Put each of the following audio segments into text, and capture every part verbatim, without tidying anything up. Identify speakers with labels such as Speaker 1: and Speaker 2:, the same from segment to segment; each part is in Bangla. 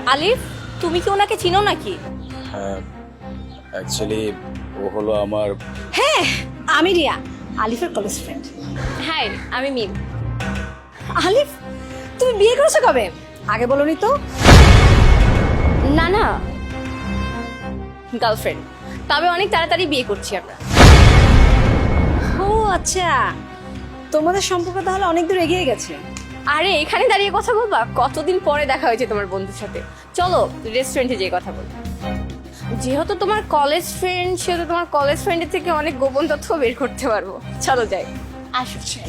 Speaker 1: আলিফ, তুমি কি ওনাকে চিনো নাকি?
Speaker 2: হ্যাঁ, অ্যাকচুয়ালি ও হলো আমার।
Speaker 3: হ্যাঁ, আমি রিয়া, আলিফের কলেজ ফ্রেন্ড।
Speaker 1: হ্যাঁ, আমি মিম।
Speaker 3: আলিফ, তুমি বিয়ে করেছো কবে? আগে বলোনি তো।
Speaker 1: না না, গার্লফ্রেন্ড, তবে অনেক তাড়াতাড়ি বিয়ে করছি আমরা।
Speaker 3: ও আচ্ছা, তোমাদের সম্পর্ক তাহলে অনেক দূর এগিয়ে গেছে।
Speaker 1: আরে এখানে দাঁড়িয়ে কথা বলবা? কতদিন পরে দেখা হয়েছে তোমার বন্ধুর সাথে। চলো রেস্টুরেন্টে যেয়ে কথা বলি। যেহেতু তোমার কলেজ ফ্রেন্ড, সেহেতু তোমার কলেজ ফ্রেন্ডের থেকে অনেক গোপন তথ্য বের করতে পারবো। চলো যাই। আসো চাই।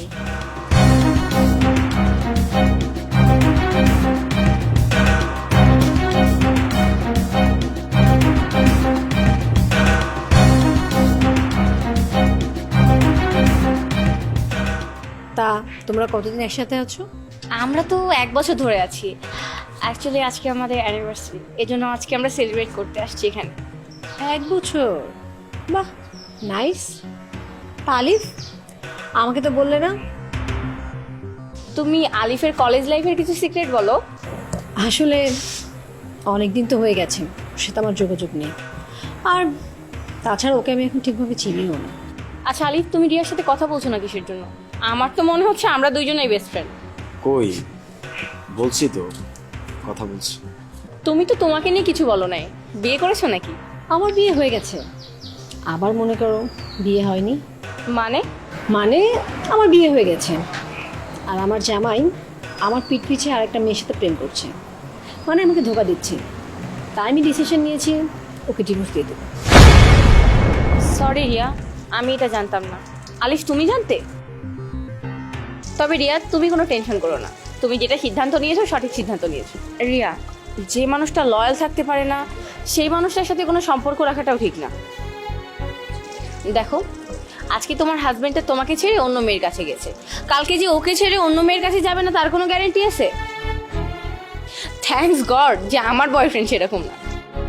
Speaker 3: তা তোমরা কতদিন একসাথে আছো?
Speaker 1: আমরা তো এক বছর ধরে আছি। অ্যাকচুয়ালি আজকে আমাদের অ্যানিভার্সারি, এজন্য আজকে আমরা সেলিব্রেট করতে আসছি এখানে।
Speaker 3: এক বছর? বাহ, নাইস। তা আলিফ, আমাকে তো বললে না।
Speaker 1: তুমি আলিফের কলেজ লাইফের কিছু সিক্রেট বলো।
Speaker 3: আসলে অনেক দিন তো হয়ে গেছে, সেটা আমার যোগাযোগ নেই। আর তাছাড়া ওকে আমি এখন ঠিকভাবে চিনিও না।
Speaker 1: আচ্ছা আলিফ, তুমি রিয়ার সাথে কথা বলছো না কিসের জন্য? আমার তো মনে হচ্ছে আমরা দুইজনেই বেস্ট ফ্রেন্ড।
Speaker 2: কই, বলছি তো, কথা বলছি।
Speaker 1: তুমি তো তোমাকে নিয়ে কিছু বলো নাই। বিয়ে করেছো নাকি?
Speaker 3: আমার বিয়ে হয়ে গেছে, আবার মনে করো বিয়ে হয়নি।
Speaker 1: মানে?
Speaker 3: মানে আমার বিয়ে হয়ে গেছে, আর আমার জামাই আমার পিঠ পিছে আরেকটা মেয়ের সাথে প্রেম করছে, মানে আমাকে ধোকা দিচ্ছে। তাই আমি ডিসিশন নিয়েছি ওকে ডিভোর্স দিয়ে দেবো।
Speaker 1: সরি রিয়া, আমি এটা জানতাম না। আলিফ, তুমি জানতে? তবে রিয়া, তুমি কোনো টেনশন করো না। তুমি যেটা সিদ্ধান্ত নিয়েছো সঠিক সিদ্ধান্ত নিয়েছো। রিয়া, যে মানুষটা লয়াল থাকতে পারে না, সেই মানুষটার সাথে কোনো সম্পর্ক রাখাটাও ঠিক না। দেখো, আজকে তোমার হাজবেন্ডটা তোমাকে ছেড়ে অন্য মেয়ের কাছে গেছে, কালকে যে ওকে ছেড়ে অন্য মেয়ের কাছে যাবে না তার কোনো গ্যারান্টি আছে? থ্যাঙ্কস গড যে আমার বয়ফ্রেন্ড সেরকম না।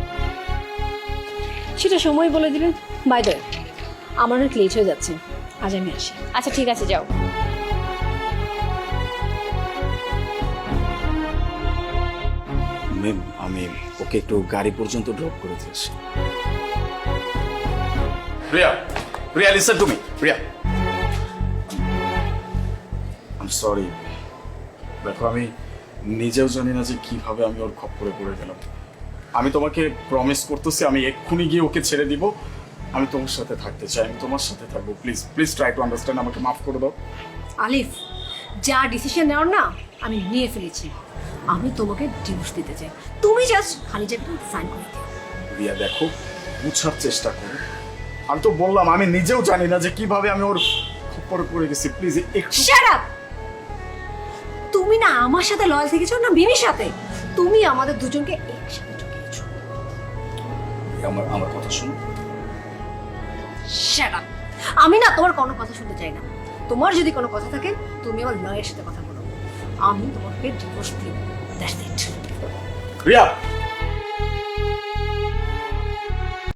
Speaker 3: সেটা সময় বলে দিবেন। বাই দ্য ওয়ে, আমার অনেক লেট হয়ে যাচ্ছে, আজ আমি আসি।
Speaker 1: আচ্ছা ঠিক আছে, যাও।
Speaker 2: ম্যাম, আমি ওকে একটু গাড়ি পর্যন্ত ড্রপ করে দিয়েছি। Priya, Priya listen to me. Priya, I sorry. দেখো, আমি নিজেও জানি না যে কিভাবে আমি ওর খপ্পরে পড়ে গেলাম। আমি তোমাকে প্রমিস করতেছি আমি এক্ষুনি গিয়ে ওকে ছেড়ে দিব। আমি তোমার সাথে থাকতে চাই, আমি তোমার সাথে থাকবো। Please please try to understand, আমাকে মাফ করে দাও।
Speaker 3: আলিফ, যা ডিসিশন নেওয়ার না আমি নিয়ে ফেলেছি। আমি তোমাকে ডিভোর্স দিতে চাই, তুমি জাস্ট খালি যে সাইন করে দিও।
Speaker 2: রিয়া দেখো, বুঝার চেষ্টা করো। আমি তো বললাম আমি নিজেও জানি না যে কিভাবে আমি ওর খপ্পরে পড়ে গেছি। প্লিজ একটু।
Speaker 3: Shut up! তুমি না আমার সাথে লয়াল থেকেছো না মিমির সাথে? তুমি আমাদের দুজনকে একসাথে ঠকিয়েছো।
Speaker 2: আমার আমার কথা শুনো।
Speaker 3: Shut up! আমি না তোমার কোনো কথা শুনতে চাই না। তোমার যদি কোনো কথা থাকে তুমি আমার লয়ের সাথে কথা বলো। আমি তোমাকে ডিভোর্স দিব। That's it.
Speaker 2: রিয়া,